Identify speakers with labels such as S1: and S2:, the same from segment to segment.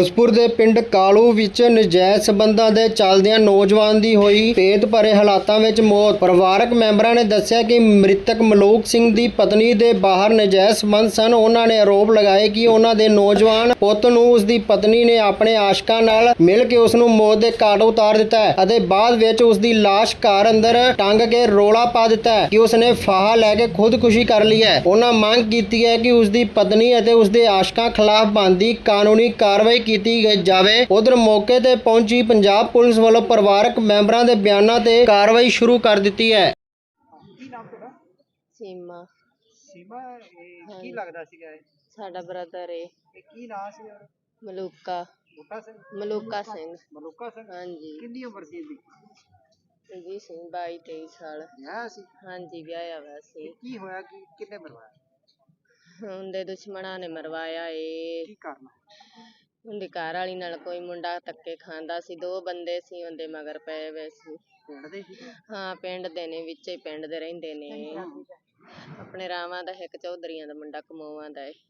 S1: ਫਿਰੋਜ਼ਪੁਰ ਦੇ ਪਿੰਡ ਕਾਲੂ ਵਿੱਚ ਨਜਾਇਜ਼ ਸਬੰਧਾਂ ਦੇ ਚੱਲਦਿਆਂ ਨੌਜਵਾਨ ਦੀ ਹੋਈ ਭੇਤ ਭਰੇ ਹਾਲਾਤਾਂ ਵਿੱਚ ਮੌਤ। ਪਰਿਵਾਰਕ ਮੈਂਬਰਾਂ ਨੇ ਦੱਸਿਆ ਕਿ ਮ੍ਰਿਤਕ ਮਲੂਕ ਸਿੰਘ ਦੀ ਪਤਨੀ ਦੇ ਬਾਹਰ ਨਜਾਇਜ਼ ਸਬੰਧ ਸਨ। ਉਹਨਾਂ ਨੇ ਆਰੋਪ ਲਗਾਏ ਕਿ ਉਹਨਾਂ ਦੇ ਨੌਜਵਾਨ ਪੁੱਤ ਨੂੰ ਉਸ ਦੀ ਪਤਨੀ ਨੇ ਆਪਣੇ ਆਸ਼ਕਾਂ ਨਾਲ ਮਿਲ ਕੇ ਉਸ ਨੂੰ ਮੌਤ ਦੇ ਘਾਟ ਉਤਾਰ ਦਿੱਤਾ ਹੈ ਅਤੇ ਬਾਅਦ ਵਿੱਚ ਉਸ ਦੀ ਲਾਸ਼ ਘਰ ਅੰਦਰ ਟੰਗ ਕੇ ਰੋਲਾ ਪਾ ਦਿੱਤਾ ਹੈ ਕਿ ਉਸ ਨੇ ਫਾਹਾ ਲੈ ਕੇ ਖੁਦਕੁਸ਼ੀ ਕਰ ਲਈ ਹੈ। ਉਹਨਾਂ ਮੰਗ ਕੀਤੀ ਹੈ ਕਿ ਉਸ ਦੀ ਪਤਨੀ ਅਤੇ ਉਸ ਦੇ ਆਸ਼ਕਾਂ ਖਿਲਾਫ ਬਣਦੀ ਕਾਨੂੰਨੀ ਕਾਰਵਾਈ ਕੀਤੀ ਜਾਵੇ। ਉਧਰ ਮੌਕੇ ਤੇ ਪਹੁੰਚੀ ਪੰਜਾਬ ਪੁਲਿਸ ਵੱਲੋਂ ਪਰਿਵਾਰਕ ਮੈਂਬਰਾਂ ਦੇ ਬਿਆਨਾਂ ਤੇ ਕਾਰਵਾਈ ਸ਼ੁਰੂ ਕਰ ਦਿੱਤੀ ਹੈ।
S2: ਕੀ ਨਾਮ ਤੁਹਾਡਾ?
S3: ਸੀਮਾ
S2: ਸੀਮਾ, ਕੀ ਲੱਗਦਾ ਸੀਗਾ ਇਹ?
S3: ਸਾਡਾ ਬ੍ਰਦਰ ਏ।
S2: ਕੀ ਨਾਂ ਸੀ ਉਹਦਾ?
S3: ਮਲੂਕਾ
S2: ਬੂਟਾ ਸਿੰਘ?
S3: ਮਲੂਕਾ ਸਿੰਘ।
S2: ਮਲੂਕਾ ਸਿੰਘ?
S3: ਹਾਂਜੀ।
S2: ਕਿੰਨੀ ਉਮਰ ਸੀ ਇਹਦੀ?
S3: ਇਹਦੀ ਸੀ 22-23 ਸਾਲ।
S2: ਵਿਆਹ ਸੀ?
S3: ਹਾਂਜੀ, ਵਿਆਹਿਆ ਹੋਇਆ ਸੀ।
S2: ਕੀ ਹੋਇਆ ਕਿ ਕਿੰਨੇ ਮਰਵਾਇਆ?
S3: ਉਹਦੇ ਦੁਸ਼ਮਣਾਂ ਨੇ ਮਰਵਾਇਆ ਏ।
S2: ਕੀ ਕਰਨਾ?
S3: ਉਹਦੀ ਘਰ ਵਾਲੀ ਨਾਲ ਕੋਈ ਮੁੰਡਾ ਧੱਕੇ ਖਾਂਦਾ ਸੀ। 2 ਬੰਦੇ ਸੀ ਉਹਦੇ ਮਗਰ ਪਏ ਹੋਏ ਸੀ।
S2: ਪਿੰਡ ਦੇ ਸੀ?
S3: ਹਾਂ, ਪਿੰਡ ਦੇ ਨੇ, ਵਿੱਚੇ ਪਿੰਡ ਦੇ ਰਹਿੰਦੇ ਨੇ। ਆਪਣੇ ਰਾਵਾਂ ਦਾ ਇੱਕ ਚੌਧਰੀਆਂ ਦਾ ਮੁੰਡਾ ਕਮੋਵਾਂ ਦਾ ਏ।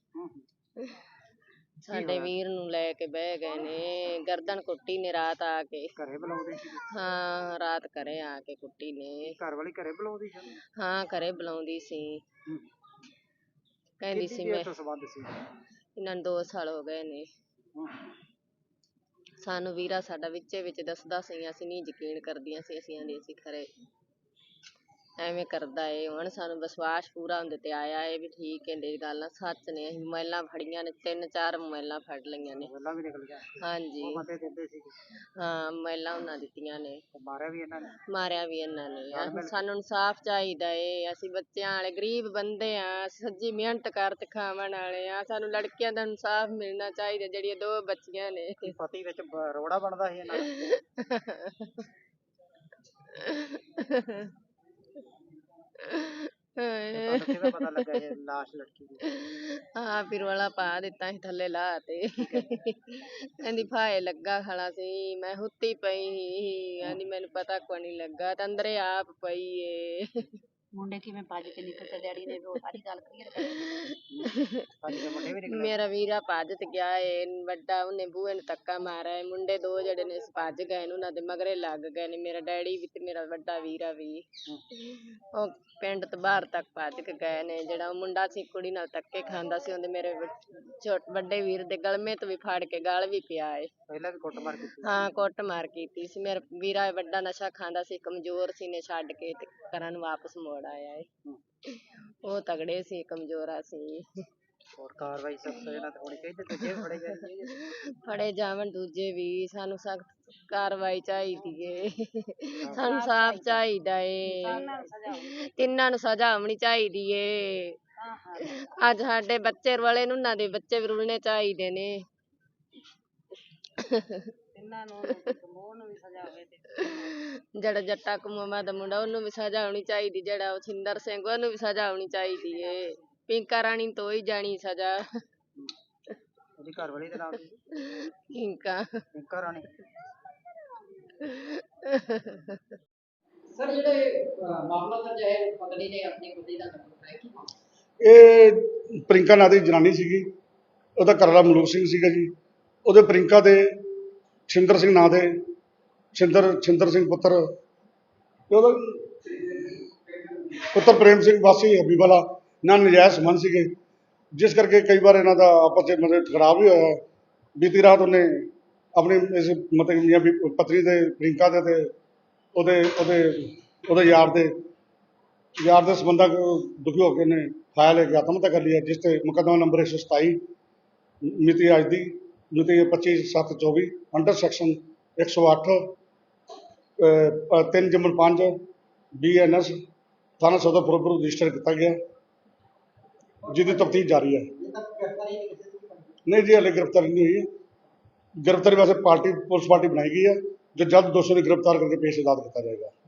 S3: ਸਾਡੇ ਵੀਰ ਨੂੰ ਲੈ ਕੇ ਬਹਿ ਗਏ ਨੇ। ਗਰਦਨ ਕੁੱਟੀ ਨੇ ਰਾਤ ਆ ਕੇ।
S2: ਘਰੇ ਬੁਲਾਉਂਦੇ ਸੀ?
S3: ਹਾਂ, ਰਾਤ ਘਰੇ ਆ ਕੇ ਕੁੱਟੀ ਨੇ।
S2: ਘਰ ਵਾਲੀ ਘਰੇ ਬੁਲਾਉਂਦੀ ਸੀ?
S3: ਹਾਂ, ਘਰੇ ਬੁਲਾਉਂਦੀ ਸੀ। ਕਹਿੰਦੀ ਸੀ ਮੈਂ
S2: ਸੰਬੰਧ ਸੀ
S3: ਇਹਨਾਂ ਨੂੰ 2 ਸਾਲ ਹੋ ਗਏ ਨੇ। ਸਾਨੂੰ ਵੀਰਾ ਸਾਡਾ ਵਿੱਚੇ ਵਿੱਚ ਦੱਸਦਾ ਸੀ, ਅਸੀਂ ਨਹੀਂ ਯਕੀਨ ਕਰਦੀਆਂ ਸੀ। ਅਸੀਂ ਆਂਦੇ ਸੀ ਖਰੇ ਐਵੇਂ ਕਰਦਾ ਏ। ਹੁਣ ਸਾਨੂੰ ਵਿਸ਼ਵਾਸ ਪੂਰਾ ਹੁੰਦੇ ਤੇ ਆਇਆ ਏ ਵੀ ਠੀਕ ਹੈ ਗੱਲ ਸੱਚ ਨੇ। ਅਸੀਂ ਮੋਬਾਈਲਾਂ ਫੜੀਆਂ ਨੇ, 3-4 ਮੋਬਾਈਲਾਂ ਫੜ ਲਈਆਂ ਨੇ।
S2: ਮੋਬਾਈਲਾਂ ਵੀ ਨਿਕਲ ਗਿਆ?
S3: ਹਾਂਜੀ।
S2: ਉਹ ਬੰਦੇ ਦਿੰਦੇ ਸੀ?
S3: ਹਾਂ, ਮੋਬਾਈਲਾਂ ਉਹਨਾਂ ਦਿੱਤੀਆਂ ਨੇ।
S2: ਮਾਰਿਆ ਵੀ ਇਹਨਾਂ ਨੇ?
S3: ਮਾਰਿਆ ਵੀ ਇਹਨਾਂ ਨੇ। ਸਾਨੂੰ ਇਨਸਾਫ ਚਾਹੀਦਾ ਏ। ਅਸੀਂ ਬੱਚਿਆਂ ਵਾਲੇ ਗਰੀਬ ਬੰਦੇ ਆ, ਸੱਜੀ ਮਿਹਨਤ ਕਰ ਤੇ ਖਾਵਣ ਵਾਲੇ ਆ। ਸਾਨੂੰ ਲੜਕੀਆਂ ਦਾ ਇਨਸਾਫ ਮਿਲਣਾ ਚਾਹੀਦਾ ਜਿਹੜੀਆਂ 2 ਬੱਚੀਆਂ ਨੇ।
S2: ਪਤੀ ਵਿੱਚ ਰੋੜਾ ਬਣਦਾ ਸੀ ਇਹਨਾਂ ਦਾ? ਤੁਹਾਨੂੰ ਕਿਵੇਂ ਪਤਾ ਲੱਗਾ ਇਹ ਲਾਸ਼ ਲੜਕੀ ਦੀ?
S3: ਹਾਂ, ਫਿਰ ਵਾਲਾ ਪਾ ਦਿੱਤਾ ਸੀ ਥੱਲੇ ਲਾ ਤੇ। ਕਹਿੰਦੀ ਫਾਹੇ ਲੱਗਾ ਖੜਾ ਸੀ। ਮੈਂ ਹੁੱਤੀ ਪਈ ਸੀ। ਕਹਿੰਦੀ ਮੈਨੂੰ ਪਤਾ ਕੋਈ ਨਹੀਂ ਲੱਗਾ ਤੇ ਅੰਦਰੇ ਆਪ ਪਈ ਏ।
S4: ਮੁੰਡੇ ਕਿਵੇਂ ਭੱਜ ਕੇ ਨਿਕਲ ਡੈਡੀ ਨੇ ਉਹ ਸਾਰੀ ਗੱਲ ਕਲੀਅਰ
S3: ਮੇਰਾ ਵੀਰਾ ਭੱਜ ਤੇ ਗਿਆ ਏ। ਵੱਡਾ ਉਹਨੇ ਬੂਹੇ ਨੂੰ ਧੱਕਾ ਮਾਰਿਆ ਏ। ਮੁੰਡੇ 2 ਜਿਹੜੇ ਨੇ ਭੱਜ ਗਏ ਨੇ, ਉਹਨਾਂ ਦੇ ਮਗਰੇ ਲੱਗ ਗਏ ਨੇ। ਮੇਰਾ ਡੈਡੀ ਵੀ ਤੇ ਮੇਰਾ ਵੱਡਾ ਵੀਰਾ ਵੀ। ਉਹ ਪਿੰਡ ਤੋਂ ਬਾਹਰ ਤੱਕ ਭੱਜ ਕੇ ਗਏ ਨੇ। ਜਿਹੜਾ ਉਹ ਮੁੰਡਾ ਸੀ ਕੁੜੀ ਨਾਲ ਧੱਕੇ ਖਾਂਦਾ ਸੀ, ਉਹਦੇ ਮੇਰੇ ਵੱਡੇ ਵੀਰ ਦੇ ਗਲਮੇ ਤੋਂ ਵੀ ਫੜ ਕੇ ਗਲ ਵੀ ਪਿਆ ਏ।
S2: ਪਹਿਲਾਂ ਵੀ ਕੁੱਟਮਾਰ ਕੀਤੀ?
S3: ਹਾਂ, ਕੁੱਟਮਾਰ ਕੀਤੀ ਸੀ। ਮੇਰਾ ਵੀਰਾ ਵੱਡਾ ਨਸ਼ਾ ਖਾਂਦਾ ਸੀ, ਕਮਜ਼ੋਰ ਸੀ ਨੇ ਛੱਡ ਕੇ ਤੇ ਘਰਾਂ ਨੂੰ ਵਾਪਸ ਮੋੜ ਆਇਆ ਏ। ਉਹ ਤਗੜੇ ਸੀ, ਕਮਜ਼ੋਰਾ ਸੀ।
S2: ਹੋਰ ਕਾਰਵਾਈ ਸਖਤ ਇਹਨਾਂ ਤੇ ਹੋਣੀ ਚਾਹੀਦੀ। ਦੂਜੇ ਫੜੇ ਗਏ?
S3: ਫੜੇ ਜਾਵਣ ਦੂਜੇ ਵੀ। ਸਾਨੂੰ ਸਖਤ ਕਾਰਵਾਈ ਚਾਹੀਦੀ ਏ। ਸਾਨੂੰ ਸਾਫ਼ ਚਾਹੀਦਾ ਏ। ਤਿੰਨਾਂ ਨੂੰ ਸਜ਼ਾ ਹੋਣੀ ਚਾਹੀਦੀ ਏ। ਅੱਜ ਸਾਡੇ ਬੱਚੇ ਰੁਲੇ ਨੇ, ਉਹਨਾਂ ਦੇ ਬੱਚੇ ਵੀ ਰੁਲਣੇ ਚਾਹੀਦੇ ਨੇ। ਜਿਹੜਾ ਜੱਟਾ ਕਮੋਮਾ ਦਾ ਮੁੰਡਾ, ਉਹਨੂੰ ਵੀ ਸਜ਼ਾ ਹੋਣੀ ਚਾਹੀਦੀ। ਜਿਹੜਾ ਉਹ ਛਿੰਦਰ ਸਿੰਘ, ਉਹਨੂੰ ਵੀ ਸਜ਼ਾ ਹੋਣੀ ਚਾਹੀਦੀ ਏ। ਪਿੰਕਾ ਰਾਣੀ ਤੋਂ ਹੀ ਜਾਣੀ ਸਜ਼ਾ।
S2: ਉਹਦੀ ਘਰ ਵਾਲੀ ਦਾ ਨਾਮ ਕੀ?
S3: ਪਿੰਕਾ।
S2: ਪਿੰਕਾ ਰਾਣੀ।
S4: ਸਰ ਜਿਹੜੇ ਮਾਮਲਾ ਦਰਜ ਹੈ ਪਤਨੀ ਨੇ ਆਪਣੀ ਪਤੀ ਦਾ ਨੰਬਰ ਹੈ ਕੀ ਮਾਮਲਾ?
S5: ਇਹ ਪ੍ਰਿੰਕਾ ਨਾਂ ਦੀ ਜਨਾਨੀ ਸੀਗੀ। ਉਹਦਾ ਘਰਵਾਲਾ ਮਲੂਕ ਸਿੰਘ ਸੀਗਾ ਜੀ। ਉਹਦੇ ਪ੍ਰਿੰਕਾ ਦੇ ਛਿੰਦਰ ਸਿੰਘ ਨਾਂ ਦੇ ਛਿੰਦਰ ਸਿੰਘ ਪੁੱਤਰ ਉਹਦਾ ਪੁੱਤਰ ਪ੍ਰੇਮ ਸਿੰਘ ਵਾਸੀ ਹਬੀਬਾਲਾ ਨਾਲ ਨਜਾਇਜ਼ ਸੰਬੰਧ ਸੀਗੇ, ਜਿਸ ਕਰਕੇ ਕਈ ਵਾਰ ਇਹਨਾਂ ਦਾ ਆਪਸ ਵਿੱਚ ਮਤਲਬ ਖਰਾਬ ਵੀ ਹੋਇਆ। ਬੀਤੀ ਰਾਤ ਉਹਨੇ ਆਪਣੀ ਇਸ ਮਤਲਬ ਮੀਆਂ ਪਤਨੀ ਦੇ ਪ੍ਰਿੰਕਾ ਦੇ ਤੇ ਉਹਦੇ ਯਾਰ ਦੇ ਸੰਬੰਧਾਂ ਦੁਖੀ ਹੋ ਕੇ ਨੇ ਫਾਇਲ ਲੈ ਕੇ ਆਤਮ ਹੱਤਿਆ ਕਰ ਲਈ ਹੈ, ਜਿਸ ਤੇ ਮੁਕੱਦਮਾ ਨੰਬਰ 127 ਮਿਤੀ ਅੱਜ ਦੀ ਮਿਤੀ 25/7/24 ਅੰਡਰ ਸੈਕਸ਼ਨ 108 3/5 BNS ਥਾਣਾ ਸਦਰ ਫਿਰੋਜ਼ਪੁਰ ਰਜਿਸਟਰ ਕੀਤਾ ਗਿਆ, ਜਿਹਦੀ ਤਫਤੀਸ਼ ਜਾਰੀ ਹੈ। ਨਹੀਂ ਜੀ, ਹਾਲੇ ਗ੍ਰਿਫਤਾਰੀ ਨਹੀਂ ਹੋਈ ਹੈ। ਗ੍ਰਿਫਤਾਰੀ ਵਾਸਤੇ ਪੁਲਿਸ ਪਾਰਟੀ ਬਣਾਈ ਗਈ ਹੈ, ਜੋ ਜਲਦ ਦੋਸ਼ੀ ਨੂੰ ਗ੍ਰਿਫਤਾਰ ਕਰਕੇ ਪੇਸ਼ ਅਦਾਲਤ ਕੀਤਾ ਜਾਏਗਾ।